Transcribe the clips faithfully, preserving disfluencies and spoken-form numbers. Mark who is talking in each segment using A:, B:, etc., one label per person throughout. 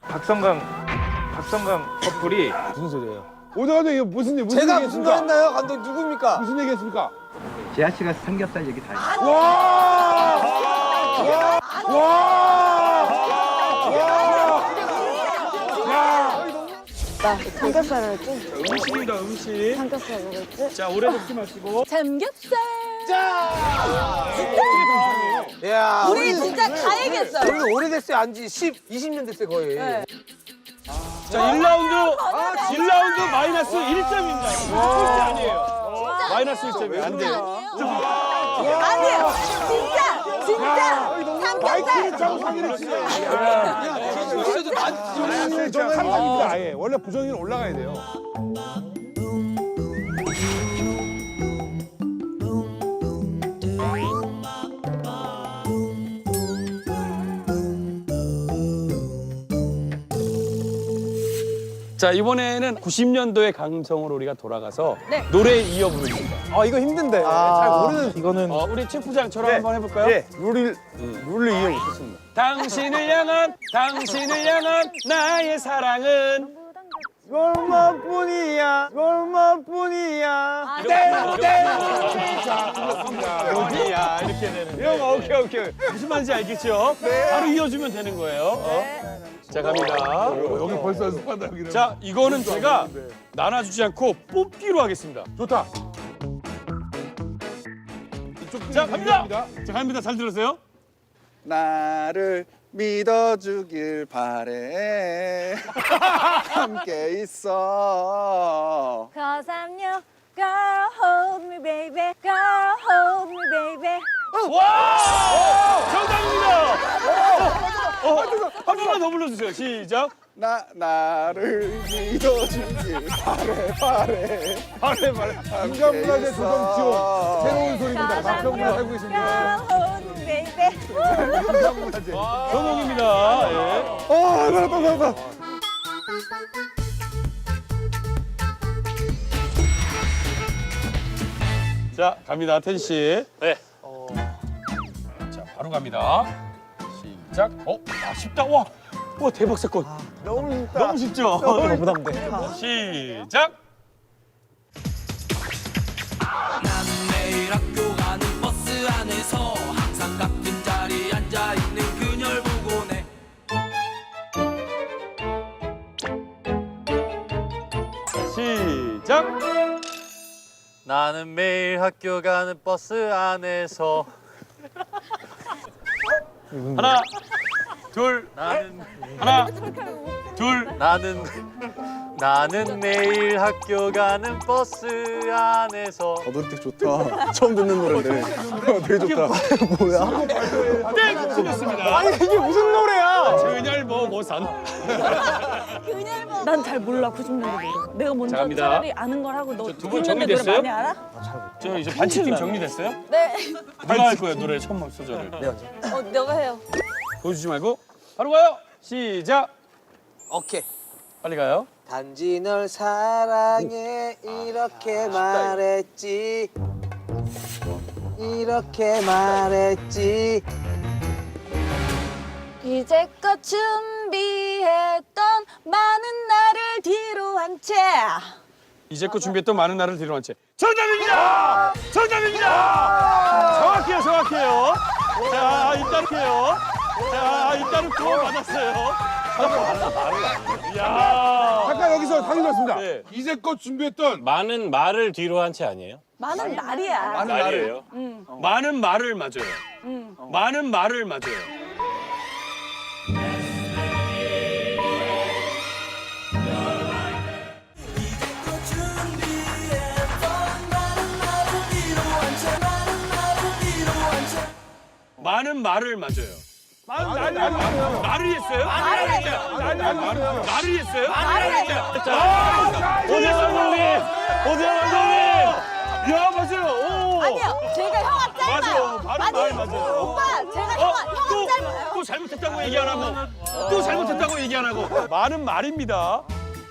A: 박성강 박성강 커플이
B: 무슨 소리예요? 오늘 감독 이거 무슨 일 무슨
C: 제가 무슨 말
B: 얘기했습니까?
C: 했나요? 감독 누굽니까?
B: 무슨 얘기했습니까?
D: 재하 씨가 삼겹살 얘기 다 했어요.
B: 와! 와! 와!
E: 나 삼겹살 먹을지?
A: 음식입니다. 음식.
E: 삼겹살 먹을지?
A: 자 오래 먹지 마시고.
E: 삼겹살!
C: 야,
E: 우리 진짜 다 얘기했어요.
C: 우리 오래됐어요. 안지 십, 이십 년 됐어요, 거의.
E: 네.
A: 자 일 라운드 일 라운드 마이너스 일 점입니다. 꼴찌 아니에요. 마이너스 일 점이 안 돼요.
E: 아니에요. 진짜! 진짜!
B: 마이크를
E: 삼겹살!
B: 차고 사기를 치네.
C: 진짜 나한테
B: 저는 삼성입니다. 아예 원래 부정이는 올라가야 돼요.
F: 자 이번에는 구십 년도의 감성으로 우리가 돌아가서
E: 네.
F: 노래 이어 부릅니다.
C: 아, 이거 힘든데. 잘 모르는.
B: 이거는
F: 어, 우리 체프장처럼 한번 해볼까요?
B: 예, 룰을 룰을 이해 못했습니다.
F: 당신을 향한 당신을 향한 나의 사랑은
C: 얼마뿐이야, 얼마뿐이야.
F: 어디야 이렇게 되는.
C: 형, 오케이, 오케이.
F: 무슨 말인지 알겠죠? 바로 이어주면 되는 거예요. 어? 자 갑니다.
B: 여기 벌써 연습한다 여기는.
F: 자 이거는 제가 나눠주지 않고 뽑기로 하겠습니다.
B: 좋다. 이쪽
F: 자 갑니다. 자 갑니다. 잘 들으세요.
G: 나를 믿어주길 바래 함께 있어
E: Cause I'm your girl, hold me baby, girl, hold me baby.
F: 와! 정답입니다. 어, 어, 한 번만 더 불러주세요. 시작.
G: 나 나를 믿어주길 바래 바래
B: 바래 바래. 인간문화재 조성 지원 새로운 소리입니다. 가평문화 살고 계십니다.
E: Girl, hold me baby.
B: 인간문화재.
F: 성공입니다. 예.
B: 아, 나왔다 나왔다.
F: 자 갑니다. 텐 씨. 네. 자 바로 갑니다. 시작. 어, 아, 쉽다. 와, 와 대박 사건.
C: 너무 힘들다.
F: 너무 쉽죠.
C: 너무 부담돼.
F: 시작.
H: 매일 학교 가는 버스 안에서 항상 같은 자리에 앉아 있는 그녀를 보고 내
F: 시작.
I: 나는 매일 학교 가는 버스 안에서
F: 하나, 둘,
I: 나는
F: 하나, 둘.
I: 나는 나는 매일 학교 가는 버스 안에서
G: 더들 좋다 처음 듣는 노래인데 되게 좋다 뭐야
F: 땡! 틀렸습니다.
C: 아니, 이게 무슨 노래야?
F: 그녀를 보고선.
E: 난 잘 몰라, 구십 년대 노래. 내가 먼저
F: 자, 갑니다.
E: 차라리 아는 걸 하고 너
F: 두 분
E: 구십 년대 노래
F: 정리됐어요?
E: 많이 알아?
F: 저 이제 반칙팀 정리됐어요?
E: 네.
F: 누가 할 거예요 노래 처음 소절을?
E: 어, 너가 해요.
F: 보여주지 말고 바로 가요. 시작.
C: 오케이.
F: 빨리 가요.
C: 단지 널 사랑해 이렇게 말했지 이렇게 말했지
E: 이제껏 준비했던 많은 나를 뒤로 한 채.
F: 이제껏 준비했던 많은 날을 뒤로 한 채. 정답입니다! 정답입니다! 정확해요, 정확해요. 자, 일단 해요. 자, 일단은 구원 받았어요. 야.
B: 잠깐 여기서 상의 받습니다.
F: 네.
B: 이제껏 준비했던
J: 많은 말을 뒤로 한 채 아니에요?
E: 많은 날이야.
J: 말이에요.
F: 많은 말을 맞아요. 많은 말을 맞아요. 많은 말을 맞아요.
B: 아니 아니 아니.
F: 말을 했어요?
E: 말을 했어요.
B: 아니 아니 아니.
F: 말을 했어요?
E: 말을 했어요.
F: 오재영 감독님! 오재영 감독님! 야, 맞아요. 오.
E: 아니요, 제가 형아 짧아요.
F: 맞아요. 바로
E: 아니,
F: 말 맞아요.
E: 오빠, 제가
F: 어?
E: 형아, 형아
F: 또,
E: 짧아요.
F: 또 잘못했다고 얘기 안 하고 또 잘못했다고 얘기 안 하고 말은 말입니다.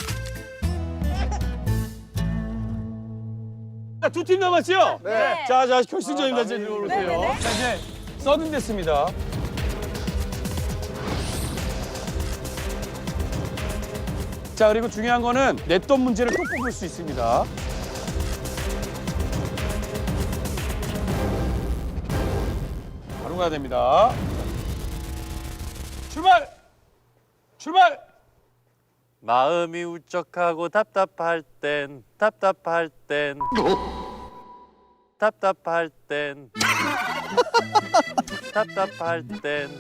F: 두 팀 남았죠?
E: 네.
F: 자, 자 결승전입니다. 이제 오세요.
E: 네네네.
F: 자, 이제 서든 됐습니다. 자, 그리고 중요한 거는 냈던 문제를 또 뽑을 수 있습니다. 바로 가야 됩니다. 출발! 출발!
I: 마음이 울적하고 답답할 땐 답답할 땐 답답할 땐 답답할 땐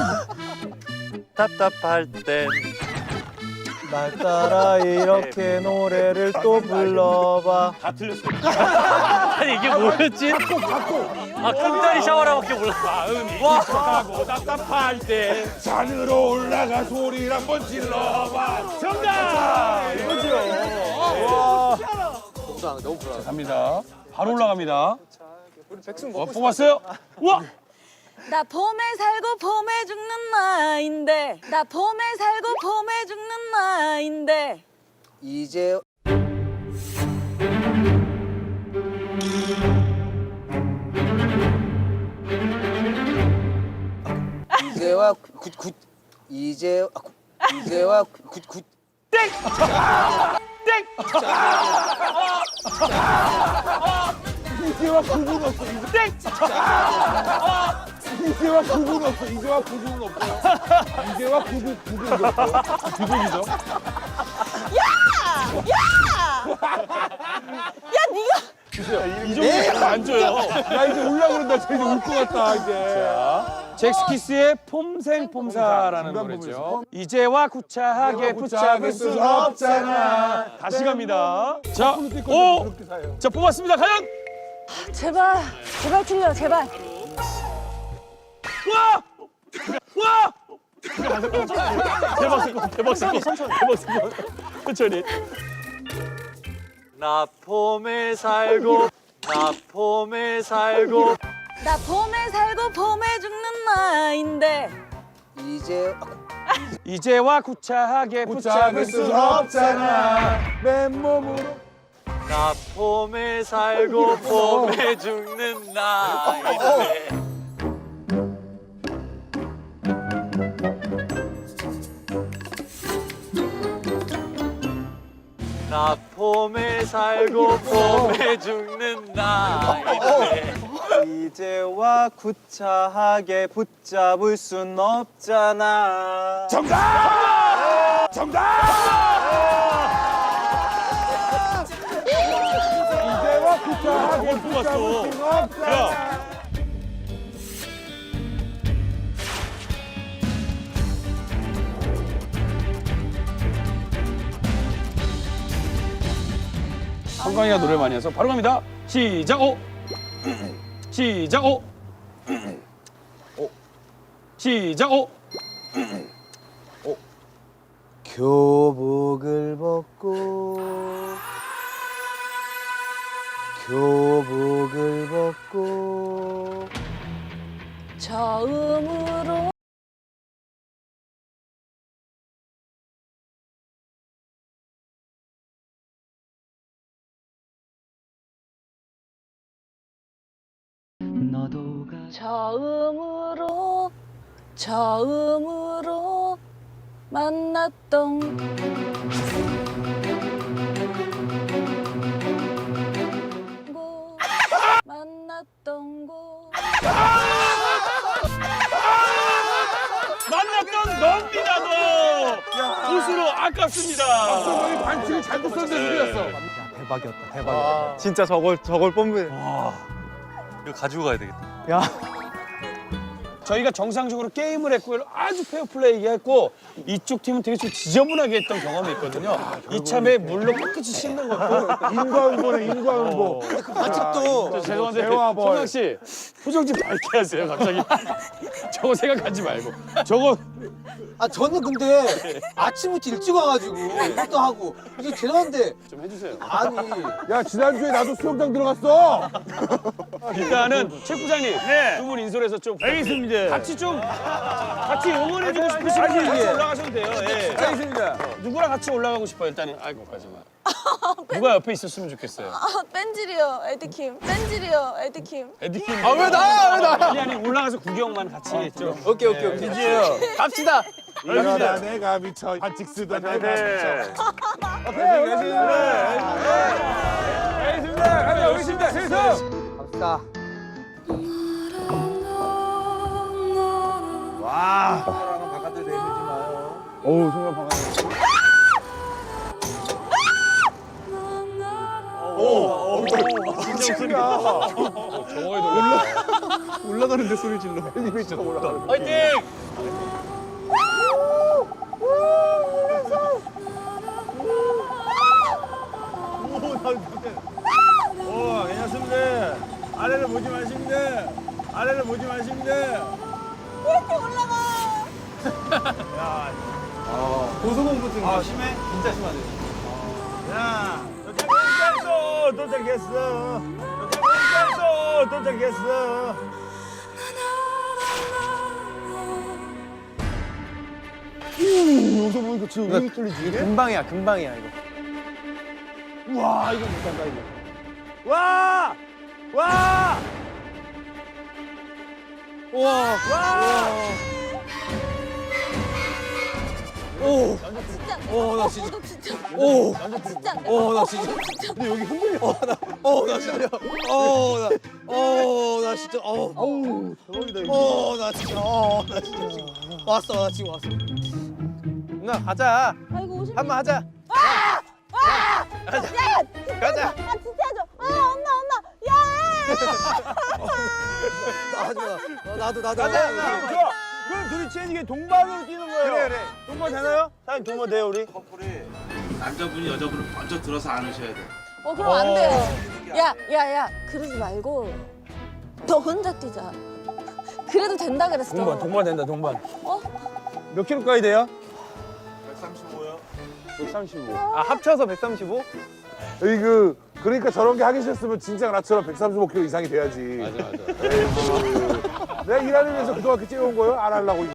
I: 답답할 땐
C: 날 따라 이렇게 노래를 또 불러봐.
F: 다 틀렸어요.
I: 아니 이게 뭐였지? 아 끈다리 샤워라고밖에 몰라.
F: 마음이 울적하고 답답할 때
B: 산으로 올라가 소리를 한번 질러봐.
F: 정답! 이거죠.
C: 불안해, 너무 불안해.
F: 갑니다. 바로 올라갑니다. 어, 뽑았어요? 우와!
E: 나 봄에 살고 봄에 죽는 나인데 나 봄에 살고 봄에 죽는 나인데
C: 이제 이제와 굿굿 이제 이제와 굿굿
F: 땡! 땡!
B: 이제와 구분 없어.
F: 땡!
B: 이제와 구분 없어. 이제와 구분 없어요. 이제와 구분 구분 없어.
F: 두둑이죠. 이 정도 안 줘요.
B: 야 이제 올라 그런다. 쟤 이제 울 것 같다 이제.
F: 잭스키스의 폼생폼사라는
B: 중간
F: 노래죠. 이제와 구차하게 붙잡을 수 없잖아. 다시 갑니다. 자, 오!
B: 그렇게 사요.
F: 자, 뽑았습니다. 과연!
E: 제발 제발 틀려 제발
F: 와! 와! 대박 사건, 대박 사건, 대박 사건. 천천히.
I: 나 봄에 살고 나 봄에 살고
E: 나 봄에 살고 봄에 죽는 나인데
C: 이제
F: 이제와 구차하게
B: 붙잡을
F: 붙잡을
B: 수
F: 수
B: 없잖아. 맨몸으로.
I: 나 봄에 살고 봄에 죽는 나인데 나 봄에 살고 봄에 죽는 나인데
C: 이제와 구차하게 붙잡을 순 없잖아.
B: 정답! 정답! 이제와 구차하게
F: 뭘 뽑았어?
B: 붙잡을 순 없잖아.
F: 야. 성광이가 노래 많이 해서 바로 갑니다. 시작! 오! 시작! 오! 시작! 오!
C: 교복을 벗고 교복을 벗고
E: 처음으로 처음으로 처음으로 만났던 곳 만났던 곳
F: 만났던 넌니다 너! 웃으로 아깝습니다.
B: 저희 반칙을 잘못 썼는데 틀렸어.
C: 대박이었다 대박이었다. 진짜 저걸 저걸 뽑는.
I: 이거 가지고 가야 되겠다.
C: 야.
F: 저희가 정상적으로 게임을 했고 아주 페어플레이 했고 이쪽 팀은 되게 좀 지저분하게 했던 경험이 있거든요. 이참에 물로 깨끗이 씻는 것도
B: 인과응보네 인과응보.
C: 반칙도
F: 저 죄송한데
B: 대화벌.
F: 성강 씨 표정 좀 밝게 하세요 갑자기. 저거 생각하지 말고 저거
C: 아 저는 근데 아침부터 일찍 와가지고 이것도 하고 이게 죄송한데
F: 좀 해주세요.
C: 아니
B: 야 지난주에 나도 수영장 들어갔어.
F: 일단은 최 부장님 두 분 인솔해서 좀 알겠습니다. 같이 좀 같이 응원해주고 싶으시면 같이 올라가셔도 돼요. 예.
B: 알겠습니다.
F: 누구랑 같이 올라가고 싶어요 일단은. 아이고 가지마. 누가 옆에 있었으면 좋겠어요.
E: 아 뺀질이요 에드킴 뺀질이요 에드킴
F: 에디킴.
C: 아 왜 나야 왜 나?
F: 아니 아니 올라가서 구경만 같이 좀.
C: 오케이 오케이 오케이 갑시다.
B: 이러다 내가 미쳐 반칙 쓰던 내가 미쳐.
A: 오케이, 알겠습니다. 가자, 여기 있습니다. 세서.
C: 갑시다.
G: 어우 정말 반갑네. 올라가는데 소리 질러. 엘리베이터가 올라가는.
F: 화이팅!
A: 오, 괜찮습니다. 아래를 보지 마십니다. 아래를 보지 마십니다.
E: 이렇게 올라가.
C: 고소공포증.
A: 아, 심해? 진짜 심하네. 야, 도착했어. 도착했어. 도착했어. 도착했어.
G: 여기서 보니까 지금 왜 뚫리지?
C: 금방이야, 금방이야 이거.
A: 우와, 이거 못한다, 이거. 와! 와!
C: 우와.
A: 와!
C: 오.
E: 진짜 안 돼.
C: 오, 나 진짜.
E: 어, 너 진짜.
C: 오.
E: 진짜 안 돼.
C: 오, 나 진짜.
G: 근데 여기 흔들려.
C: 어, 나, 어, 나 진짜. 어, 나, 어, 나 진짜. 어,
G: 어우 대박이다 이거.
C: 어, 나 진짜. 어, 나 진짜. 왔어, 나 지금 왔어. 누나 가자.
E: 아이고 오십.
C: 한 번 하자.
E: 아! 야, 야, 진짜
C: 가자.
E: 하자. 아, 진짜 하자. 아, 엄마, 엄마. 야!
C: 나 하지 마. 어, 나도, 나도.
A: 가자, 그럼 좋아. 그럼 둘이 체인지게 동반으로 뛰는 거예요.
C: 그래, 그래.
A: 동반 되나요? 사장님 동반 돼요, 우리?
H: 남자분이 여자분을 먼저 들어서 안으셔야 돼.
E: 어, 그럼 안 돼요. 야, 야, 야. 그러지 말고 너 혼자 뛰자. 그래도 된다 그랬어.
A: 동반, 동반 된다, 동반.
E: 어?
A: 몇 킬로까지 돼요?
H: 백삼십오요.
A: 백삼십오.
C: 아, 합쳐서 백삼십오?
B: 여기 그 그러니까 저런 게 하기 싫었으면 진짜 나처럼 백삼십오 킬로그램 이상이 돼야지.
J: 맞아 맞아.
B: 내가 일하면서 그동안 그렇게 찌워온 거예요? 안 하려고.